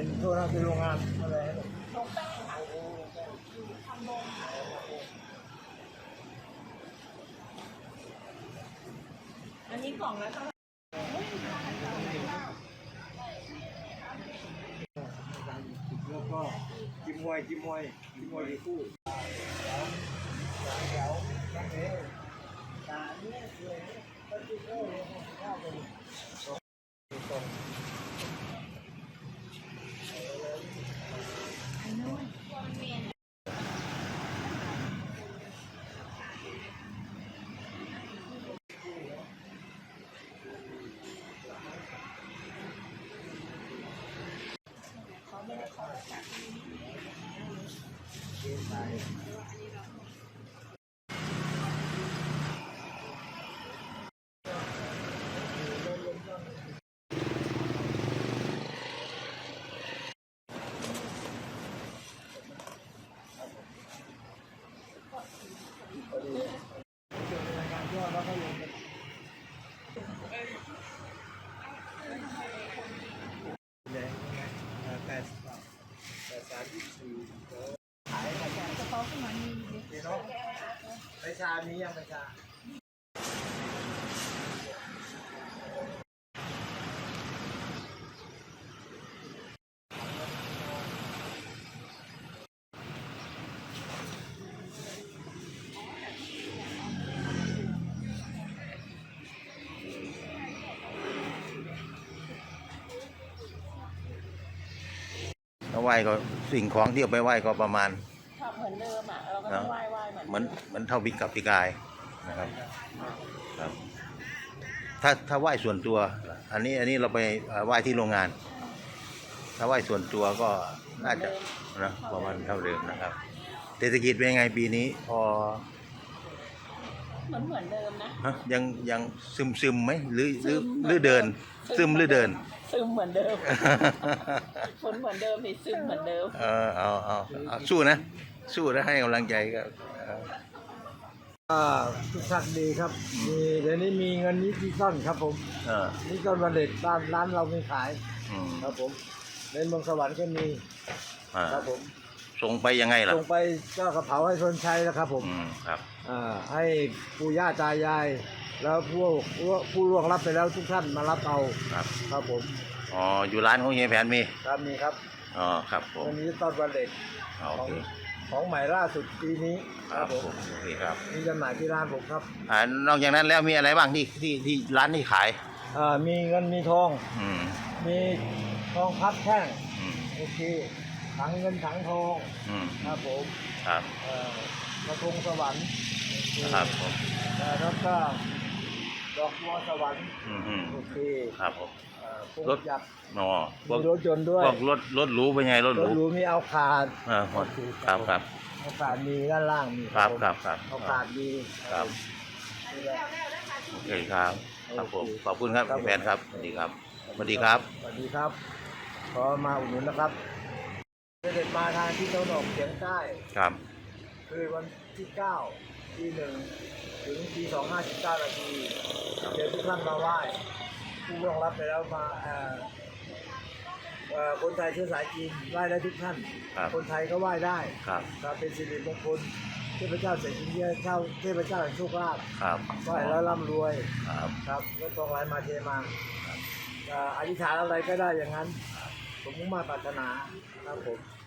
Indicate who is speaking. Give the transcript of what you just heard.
Speaker 1: โทษนะเป็นโรงงานอะไร
Speaker 2: โรงแป้งค่ะทำโรงอันนี้กล่องแล้วก็
Speaker 1: แล้วก็กิมมวยอยู่คู่แถวนั่นเองตาเนี่ยเลยก็จุดโอ้ยข้าวเป็นตรงไปชามียังไปชา
Speaker 3: ไหว้ก็สิ่งของที่เอาไปไหว้ก็ประมาณ
Speaker 2: เหมือนเดิมอ่ะเราก็ต้องไหว้
Speaker 3: เหมือนเท่าบิกกับปีกายนะครับครับถ้าไหว้ส่วนตัว อันนี้เราไปไหว้ที่โรงงาน ถ้าไหว้ส่วนตัวก็น่าจะนะประมาณเท่าเดิมนะครับเศรษฐกิจเป็นยังไงปีนี้พอ
Speaker 2: เหมือนเดิมนะ
Speaker 3: ยังซึมไหมหรือเดินซึมหรือเดิน
Speaker 2: ซึมเหมือนเดิมฝนเหมือนเดิมนี่ซึมเหมือนเดิม
Speaker 3: เอาสู้นะให้กำลังใจก็
Speaker 1: ทุกท่านดีครับมีเดี๋ยวนี้มีเงินนิติต้นครับผมนิติต้นวันเด็กร้านเราไม่ขายครับผมในเมืองสวรรค์ก็มีครับผม
Speaker 3: ส่งไปยังไงล่ะ
Speaker 1: ส่งไปเจ้ากระเป๋าให้คนใช้แล้วครับผม
Speaker 3: ครับ
Speaker 1: ให้ปู่ย่าตายายแล้วผู้ล่วงรับไปแล้วทุกท่านมารับเอาครับผม
Speaker 3: อยู่ร้านของเฮียแผนมี
Speaker 1: ครับ
Speaker 3: ครับผม
Speaker 1: วันนี้ต้นวันเด็กของใหม่ล่าสุดปีนี้
Speaker 3: ครับผมโอเคครับ
Speaker 1: มีจำหน่ายที่ร้านผมครับ
Speaker 3: นอกจากนั้นแล้วมีอะไรบ้างที่ร้านที่ขาย
Speaker 1: มีเงินมีทองมีทองพับแท่งโอเคถังเงินถังทองครับผม
Speaker 3: ครับ
Speaker 1: กระทงสวรรค์
Speaker 3: ครับผม
Speaker 1: แล้วก็ดอกบัวสวรรค์โอเค
Speaker 3: ครับผม
Speaker 1: รถยักษ์
Speaker 3: พวก
Speaker 1: รถยนต์ด้วย
Speaker 3: พวกรถหรูเป็นไงรถหรู
Speaker 1: มีเอาขาด
Speaker 3: ครับ
Speaker 1: เอาขาดมีด้านล่างมี
Speaker 3: ครับ
Speaker 1: เอาขาดมี
Speaker 3: ครับโอเคครับผมขอบคุณครับแฟนครับสวัสดีครับ
Speaker 1: สวัสดีครับขอมาอุดหนุนนะครับเด็กมาทางที่ตะวันออกเฉียงใต้
Speaker 3: ครับ
Speaker 1: คือวันที่9 ที่ 1 ถึงที่ 2:59 นาทีเดี๋ยวทุกท่านมาไหว้ผู้ร่วงรับไปแล้วมาคนไทยเชื้อสายจีนไหว้ได้ทุกท่านคนไทยก็ไหว้ได้ครับเป็นสิริมงคลเทพเจ้าเสด็จเยี่ยมเทพเจ้าแห่งโชคลาภไหว้แล้วร่ำรวยครับก็ทองไหลมาเทมาอธิษฐานอะไรก็ได้อย่างนั้นผมมุ่งมั่นปรารถนาครับผม